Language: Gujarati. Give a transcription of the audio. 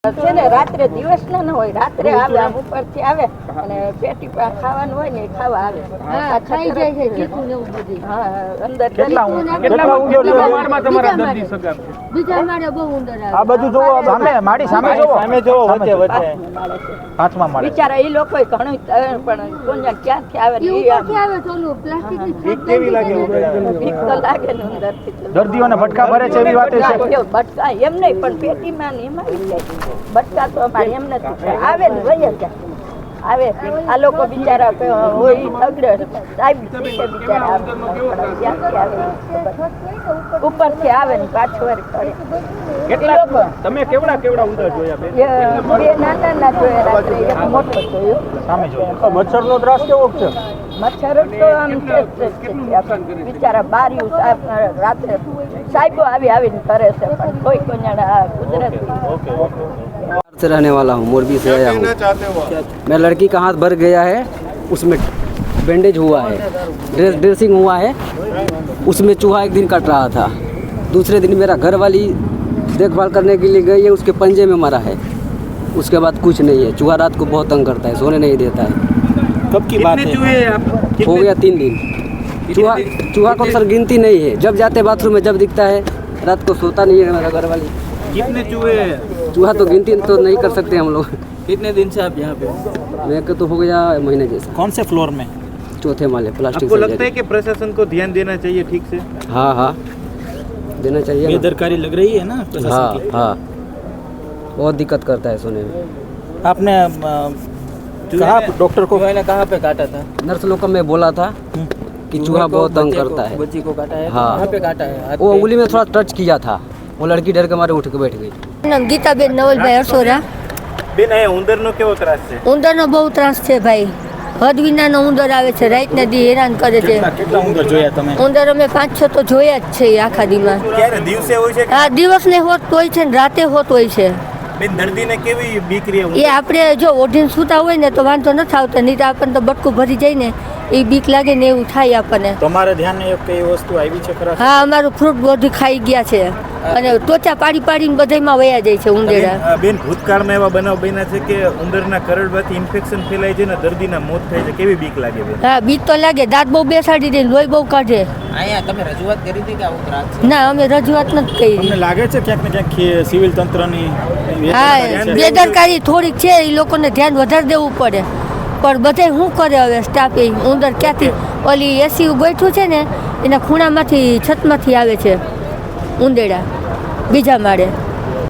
છે ને રાત્રે દિવસ ના હોય, રાત્રે આવે, આમ ઉપરથી આવે અને પેટી ખાવાનું હોય ને ખાવા આવે. હા, ખાઈ જાય છે ચીકુ ને એવું બધું. હા, અંદર કેટલા ઊંડો માળમાં તમારા દર્દી સગા છે? બીજા માળે બહુ ઊંડો આવે. આ બધું જોવો, સામે માડી સામે જોવો, વચ્ચે વચ્ચે પાંચમા માળે. બિચારા એ લોકો ઘણું પણ કોન્યા ક્યાંથી આવે ને એ આવે ચોલું પ્લાસ્ટિકની બીક કેવી લાગે? બીક તો લાગે ને અંદરથી. દર્દીઓને ભટકા ભરે છે એવી વાત છે? ભટકા એમ નહીં, પણ પેટીમાં ને એમાં આવી જાય. ભટકા તો અમારે એમ નથી, આવે ને વહી જાય. આવે આ લોકો બિચારા હોય તગડે સાહેબ બિચારા ક્યાંથી આવે, ઉપરથી આવે ને પાછું વાર કરે. કેટલા તમે કેવડા ઉંદર જોયા? બે નાના જોયા રાત્રે, એક મોટો જોયો સામે જોયો. મચ્છરનો ત્રાસ કેવો છે? મચ્છર તો આમ છે બિચારા બાર્યું રાત્રે સાહેબો આવીને કરે છે, પણ કોઈ કુદરતી. से रहने वाला हूँ, मोरबी से आया हूँ। मैं लड़की का हाथ भर गया है, उसमें बैंडेज हुआ है, ड्रेसिंग हुआ है, उसमें चूहा एक दिन कट रहा था। दूसरे दिन मेरा घर वाली देखभाल करने के लिए गई है, उसके पंजे में मरा है। उसके बाद कुछ नहीं है। चूहा रात को बहुत तंग करता है, सोने नहीं देता है। कब की बात है? हो गया 3 दिन। चूहा को सर गिनती नहीं है, जब जाते बाथरूम में जब दिखता है, रात को सोता नहीं है मेरा घर वाली। कितने चूहे? चूहा तो गिनती तो नहीं कर सकते हम लोग। कितने दिन से आप यहाँ पे? मेरे को तो हो गया महीने जैसा। कौन से फ्लोर में? चौथे माले, प्लास्टिक। आपको लगता है कि प्रशासन को ध्यान देना चाहिए ठीक से? हाँ देना चाहिए। बेदरकारी लग रही है ना प्रशासन की? हाँ बहुत दिक्कत करता है सोने में। आपने कहा डॉक्टर को? कहाँ पे काटा था? नर्स लोग को मैं बोला था कि चूहा बहुत तंग करता है। बच्ची को काटा है? हाँ। कहाँ पे काटा है? वो उंगली में थोड़ा टच किया था, वो लड़की डर के मारे उठ के बैठ गई। નામ ગીતાબેન નવલભાઈ અરસોરા. બેન અહીંયા ઉંદરનો કેવો ત્રાસ છે? ઉંદરનો બહુ ત્રાસ છે ભાઈ. હદ વિનાનો ઉંદર આવે છે, રાતના દી હેરાન કરે છે. કેટલા ઉંદર જોયા તમે? ઉંદર અમે 5-6 તો જોયા જ છે આખા દીમાં. ક્યારે દિવસે હોય છે? હા, દિવસને હોત હોય છે ને રાતે હોત હોય છે. બેન દર્દીને કેવી બીક રહે? એ આપણે જો ઓઢીને સૂતા હોય ને તો વાંધો નથી આવતો, નહીં તો આપણને તો બટકું ભરી જાય ને એ બીક લાગે ને એવું થાય આપણને. તમારા ધ્યાને કઈ વસ્તુ આવી છે ખરા? હા, અમારું ફ્રૂટ બધું ખાઈ ગયા છે અને ત્વચા પાડીને બધામાં વયા જાય છે ઉંદેડા. બેન ભૂતકાળમાં એવા બનાવ બન્યા છે કે ઉંદરના કરડવાથી ઇન્ફેક્શન ફેલાય છે ને દર્દીના મોત થાય છે, કેવી બીક લાગે બેન? હા, બીક તો લાગે. દાંત બહુ બેસાડી દે, લોહી બહુ કાઢે. અહીંયા તમે રજૂઆત કરી હતી કે આવું ત્રાસ છે? ના, અમે રજૂઆત નથી કરી. તમને લાગે છે ક્યાંક ને ક્યાંક સિવિલ તંત્રની હા, બેદરકારી થોડીક છે, એ લોકોને ધ્યાન વધારે દેવું પડે. પણ બધે શું કરે હવે સ્ટાફ? એ ઉંદર ક્યાંથી ઓલી એસી ગોઠવું છે ને એના ખૂણામાંથી છતમાંથી આવે છે ઉંદેડા બીજા માળે.